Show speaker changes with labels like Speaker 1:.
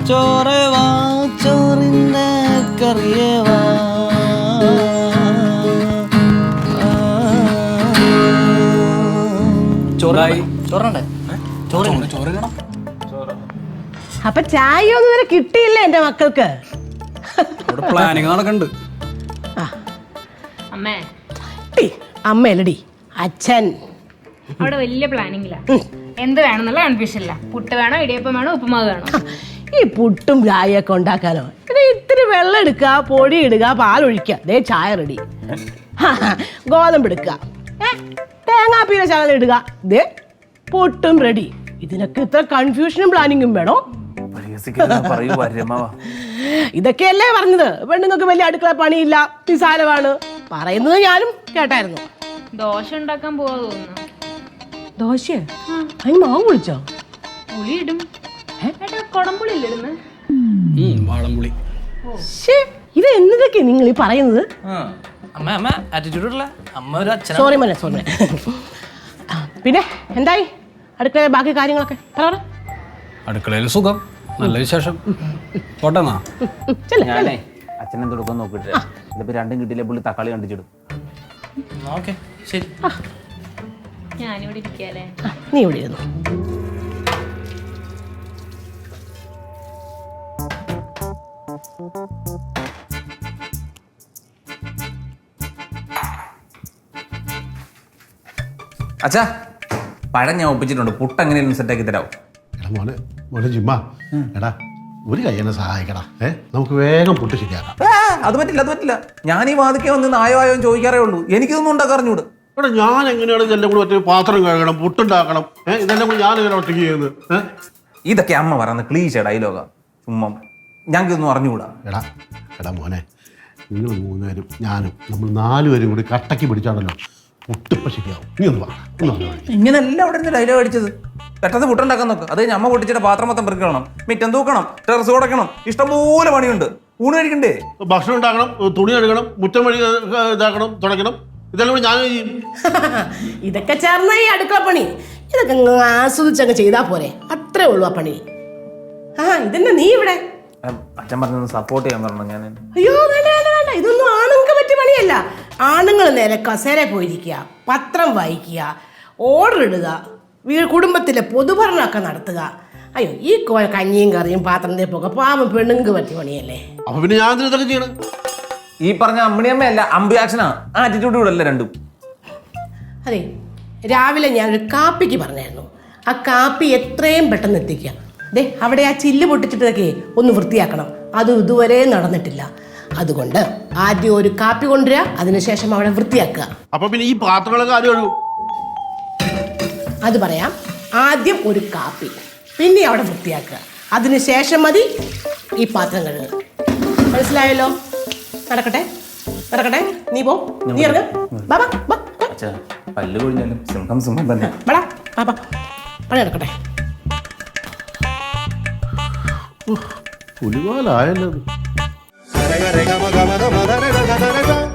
Speaker 1: ചോറ് വാ ചോറിന്റെ കറിയേ വാ.
Speaker 2: അപ്പൊ ചായ ഒന്നും ഇതുവരെ കിട്ടിയില്ല എന്റെ മക്കൾക്ക്.
Speaker 1: പ്ലാനിങ് നടക്കണ്ട്.
Speaker 3: അമ്മേ
Speaker 2: അമ്മയല്ലടി അച്ഛൻ.
Speaker 3: അവിടെ വലിയ പ്ലാനിങ്ങില്ല. എന്ത് വേണമെന്നുള്ള കൺഫ്യൂഷൻ ഇല്ല. പുട്ട് വേണോ, ഇടിയപ്പം വേണോ, ഉപ്പുമാവ് വേണോ?
Speaker 2: ഈ പുട്ടും ചായയൊക്കെ ഉണ്ടാക്കാനോ? ഇത്തിരി വെള്ളം എടുക്കുക, പൊടി ഇടുക, പാലൊഴിക്കുക, ദേ ചായ റെഡി. ഗോതമ്പ് എടുക്കുക, തേങ്ങാപ്പീര ശകലം ഇടുക, ദേ പുട്ടും റെഡി. ഇതിനൊക്കെ ഇത്ര കൺഫ്യൂഷനും പ്ലാനിങ്ങും വേണോ? ഇതൊക്കെയല്ലേ പറഞ്ഞത്. പെണ്ണുങ്ങൾക്ക് വലിയ അടുക്കള പണിയില്ല, നിസാരമാണ് പറയുന്നത്. ഞാനും കേട്ടായിരുന്നു.
Speaker 3: ദോശ ഉണ്ടാക്കാൻ പോവാ തോന്നുന്നു.
Speaker 2: ദോശ? അതിന് മാവ് പൊളിച്ചോ?
Speaker 3: പുളി ഇടും. കൊടംപുളി ഇല്ലിടുന്നു.
Speaker 1: വാളംപുളി.
Speaker 2: ഇത് എന്നതൊക്കെ നിങ്ങൾ ഈ പറയുന്നത്? സോറി മോനെ, സോറി. പിന്നെ എന്തായി അടുക്കളയിലെ ബാക്കി കാര്യങ്ങളൊക്കെ?
Speaker 1: അടുക്കളയിൽ സുഖം, നല്ല വിശേഷം. പോട്ടെന്നാ.
Speaker 4: ഞാനേ അച്ഛനെ തുടക്കം നോക്കിട്ട് ഇതിപ്പോ രണ്ടും കിട്ടിയില്ലേ പുള്ളി തക്കാളി കണ്ടിച്ചിടും. ശരി,
Speaker 3: ഞാനിവിടെ ഇരിക്കാല്ലേ.
Speaker 2: നീ ഇവിടെ ഇരുന്നു.
Speaker 4: അച്ഛാ പഴം ഞാൻ ഒപ്പിച്ചിട്ടുണ്ട്. പുട്ട് എങ്ങനെയാലും സെറ്റാക്കി തരാവും.
Speaker 5: എടാ മോനെ, മോനെ ജിമ്മാ, എടാ ഒരു കൈ എന്നെ സഹായിക്കടാ. നമുക്ക് വേഗം പുട്ട് ശരിയാക്കാം.
Speaker 4: അത് പറ്റില്ല, അത് പറ്റില്ല. ഞാൻ ഈ വാതിക്കെ വന്ന് നായോ ആയോ ചോദിക്കാറേ ഉള്ളൂ. എനിക്കിതൊന്നും ഉണ്ടാക്കാറിഞ്ഞൂട്.
Speaker 5: എടാ ഞാൻ എങ്ങനെയാണ് ഇതെല്ലാം കൂടി ഒറ്റ പാത്രം കഴുകണം, പുട്ടുണ്ടാക്കണം, ഇതെല്ലാം കൂടി ഞാൻ എങ്ങനെ ഒറ്റയ്ക്ക് ചെയ്യുന്നത്?
Speaker 4: ഇതൊക്കെ അമ്മ പറയുന്ന ക്ലീശ ഡയലോഗാ. ചുമ്മാ ഞങ്ങൾക്കിതൊന്നും അറിഞ്ഞുകൂടാ.
Speaker 5: എടാ എടാ മോനെ, നിങ്ങൾ 3 പേരും ഞാനും നമ്മൾ 4 പേരും കൂടി കട്ടക്ക് പിടിച്ചാണല്ലോ പുട്ടിപ്പ ശരിയാവും. നീ ഒന്ന് പറഞ്ഞു.
Speaker 4: ഇങ്ങനെയല്ല അവിടെ നിന്ന് ഡയലോഗ് അടിച്ചത്. പെട്ടെന്ന് പുട്ടുണ്ടാക്കാൻ നോക്ക്. അത് കഴിഞ്ഞ് അമ്മ പൊട്ടിച്ചിട്ട് പാത്രം മൊത്തം പെറുക്കണം, മിറ്റം തൂക്കണം, ടെറസ് കൊടുക്കണം, ഇഷ്ടംപോലെ പണിയുണ്ട്. ഊണ് കഴിക്കണ്ടേ?
Speaker 5: ഭക്ഷണം ഉണ്ടാക്കണം, തുണി കഴുകണം, മുറ്റം വഴി ഇതാക്കണം, തുടയ്ക്കണം. ഇതെല്ലാം കൂടി ഞാൻ ചെയ്യും.
Speaker 2: ഇതൊക്കെ ചേർന്ന ഈ അടുക്കള പണി ഇതൊക്കെ ആസ്വദിച്ചങ്ങ് ചെയ്താ പോരെ? അത്രേ ഉള്ളൂ ആ പണി. ഇതന്നെ നീ ഇവിടെ
Speaker 4: അച്ഛൻ പറഞ്ഞൊന്ന് സപ്പോർട്ട് ചെയ്യാൻ പറഞ്ഞു. ഞാൻ
Speaker 2: അയ്യോ വേണ്ട വേണ്ട വേണ്ട, ഇതൊന്നും ആണുങ്ങൾക്ക് പറ്റിയ പണിയല്ല. ആണുങ്ങൾ നേരെ കസേര പോയിരിക്കുക, പത്രം വായിക്കുക, ഓർഡർ ഇടുക, കുടുംബത്തിലെ പൊതുഭരണമൊക്കെ നടത്തുക. അയ്യോ ഈ കഞ്ഞിയും കറിയും പാത്രം തേപ്പൊക്കെ പാവം പെണ്ണുങ്ങൾക്ക് പറ്റിയ പണിയല്ലേ.
Speaker 5: അപ്പൊ പിന്നെ ഞാൻ ഇതൊക്കെ ചെയ്യണം.
Speaker 4: ഈ പറഞ്ഞ അമ്മിണിയമ്മയല്ല, അമ്പി ആക്ഷനാ. ആറ്റിറ്റ്യൂഡ് കൂടെ അല്ല രണ്ടും.
Speaker 2: അതെ, രാവിലെ ഞാനൊരു കാപ്പിക്ക് പറഞ്ഞായിരുന്നു. ആ കാപ്പി എത്രയും പെട്ടെന്ന് എത്തിക്കുക. ദേ അവിടെ ആ ചില്ല് പൊട്ടിച്ചിട്ടൊക്കെ ഒന്ന് വൃത്തിയാക്കണം. അത് ഇതുവരെ നടന്നിട്ടില്ല. അതുകൊണ്ട് ആദ്യം ഒരു കാപ്പി കൊണ്ടുവരിക, അതിനുശേഷം അവിടെ വൃത്തിയാക്കുക.
Speaker 5: അപ്പൊ പിന്നെ ഈ പാത്രങ്ങളൊക്കെ ആരും ഒഴുകും?
Speaker 2: അത് പറയാം. ആദ്യം ഒരു കാപ്പി, പിന്നെ അവിടെ വൃത്തിയാക്കുക, അതിനുശേഷം മതി ഈ പാത്രം കഴുകുക. മനസ്സിലായല്ലോ? നടക്കട്ടെ നടക്കട്ടെ. നീ പോ, നീ ഇറങ്ങ.
Speaker 4: പല്ല് കൊഴിഞ്ഞാലും സിംഹം സിംഹം തന്നെ.
Speaker 2: പണി നടക്കട്ടെ.
Speaker 5: പുലിവാലായല്ലോ.